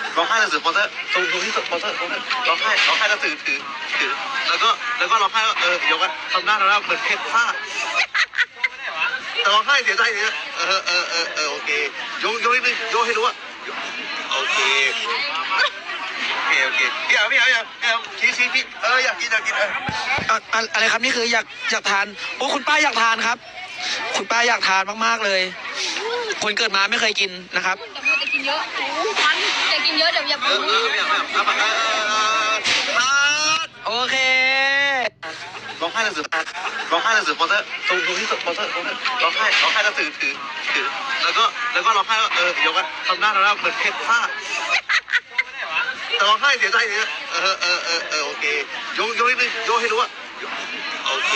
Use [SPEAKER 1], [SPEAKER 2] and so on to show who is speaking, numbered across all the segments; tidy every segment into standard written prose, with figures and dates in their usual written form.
[SPEAKER 1] ร้องไห้หนังสือโปสเตอร์ตรงที่โปสเตอร์ร้องไห้แล้วถือแล้วก็ร้องไห้ยกอะทำหน้าเหมือนเพชรพลาดแต่ร้องไห้เสียใจเนี่ยโอเคยกนิดนึงยกให้รู้ว่าโอเคพี่เอาชี้พี่อยากกิน
[SPEAKER 2] อะไรครับนี่คืออยากทานโอ้คุณป้าอยากทานครับคุณป้าอยากทานมากๆเลยคนเกิดมาไม่เคยกินนะครับ
[SPEAKER 3] แต่มันจะกินเยอะมันจะกินเยอะเดี๋ยวอย่าพูด
[SPEAKER 2] โอเค
[SPEAKER 1] ร้องไห้หนังสือโปสเตอร์ตรงที่โปสเตอร์ร้องไห้แล้วถือแล้วก็ร้องไห้ยกอะทำหน้าเหมือนเพชรพลาดแต่ร้องไห้เสียใจเนี่ยโอเคยกนิดนึงยกให้รู้ว่าโอเค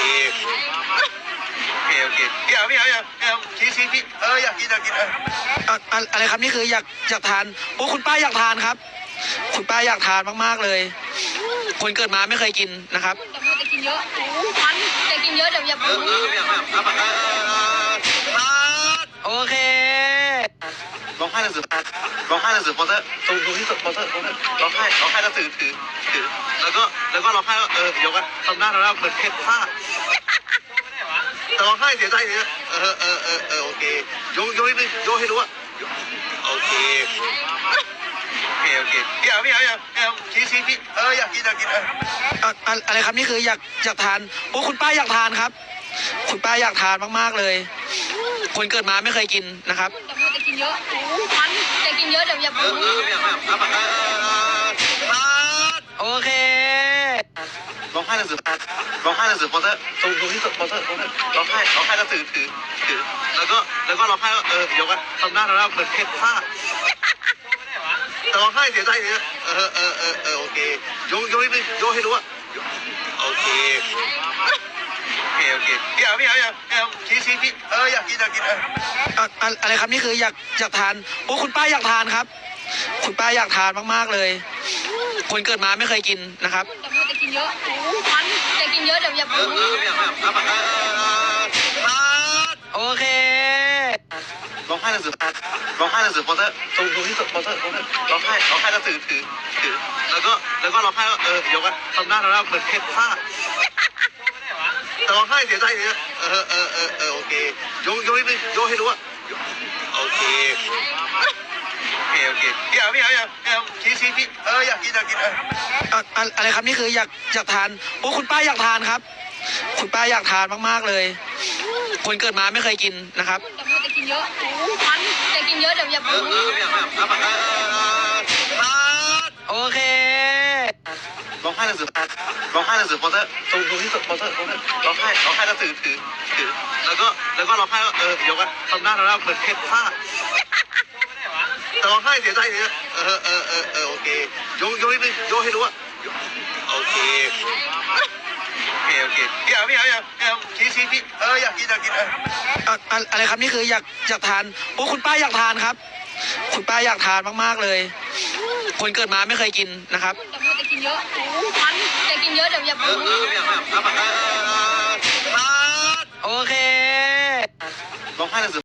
[SPEAKER 1] พี่เอาชี้พี่อยากกิน
[SPEAKER 2] อะไรครับนี่คืออยากทานโอ้คุณป้าอยากทานครับคุณป้าอยากทานมากๆเลยคนเกิดมาไม่เคยกินนะครับ
[SPEAKER 3] แต่มันจะกินเยอะมันจะกินเยอะเดี๋ยวอย่าพูด
[SPEAKER 2] โอเค
[SPEAKER 1] ร้องไห้หนังสือโปสเตอร์ตรงที่โปสเตอร์ร้องไห้แล้วถือแล้วก็ร้องไห้ยกอะทำหน้าเหมือนเพชรพลาดแต่ร้องไห้เสียใจเนี่ยโอเคยกนิดนึงยกให้รู้ว่าโอเคพี่เอาชี้พี่อยากกิน
[SPEAKER 2] อะไรครับนี่คืออยากทานโอ้คุณป้าอยากทานครับคุณป้าอยากทานมากๆเลยคนเกิดมาไม่เคยกินนะครับ
[SPEAKER 3] แต่มันจะกินเยอะมันจะกินเยอะเดี๋ยวอย่าพูด
[SPEAKER 2] โอเค
[SPEAKER 1] ร้องไห้หนังสือโปสเตอร์ตรงที่โปสเตอร์ร้องไห้แล้วถือแล้วก็ร้องไห้ยกอะทำหน้าเหมือนเพชรพลาดแต่ร้องไห้เสียใจเนี่ยโอเคยกนิดนึงยกให้รู้ว่าโอเคพี่เอาชี้พี่อยากกิน
[SPEAKER 2] อะไรครับนี่คืออยากทานโอ้คุณป้าอยากทานครับคุณป้าอยากทานมากๆเลยคนเกิดมาไม่เคยกินนะครับ
[SPEAKER 3] แต่มันจะกินเยอะมันจะกินเยอะเดี๋ยวอย่าพูด
[SPEAKER 2] โอเค
[SPEAKER 1] ร้องไห้หนังสือโปสเตอร์ตรงที่โปสเตอร์ร้องไห้แล้วถือแล้วก็ร้องไห้ยกอะทำหน้าเหมือนเพชรพลาดแต่ร้องไห้เสียใจเนี่ยโอเคยกนิดนึงยกให้รู้ว่าโอเคพี่เอาชี้พี่อยากกิน
[SPEAKER 2] อะไรครับนี่คืออยากทานโอ้คุณป้าอยากทานครับคุณป้าอยากทานมากๆเลยคนเกิดมาไม่เคยกินนะครับ
[SPEAKER 3] แต่มันจะกินเยอะมันจะกินเยอะเดี๋ยวอย่าพูด
[SPEAKER 2] โอเค
[SPEAKER 1] ร้องไห้หนังสือโปสเตอร์ตรงที่โปสเตอร์ร้องไห้แล้วถือแล้วก็ร้องไห้ยกอะทำหน้าเหมือนเพชรพลาดแต่ร้องไห้เสียใจเนี่ยโอเคยกนิดนึงยกให้รู้ว่าโอเคพี่เอาชี้พี่อยากกิน
[SPEAKER 2] อะไรครับนี่คืออยากทานโอ้คุณป้าอยากทานครับคุณป้าอยากทานมากๆเลยคนเกิดมาไม่เคยกินนะครับ
[SPEAKER 3] แต่มันจะกินเยอะมันจะกินเยอะเดี๋ยวอย่าพูด
[SPEAKER 2] โอเค
[SPEAKER 1] ร้องไห้หนังสือ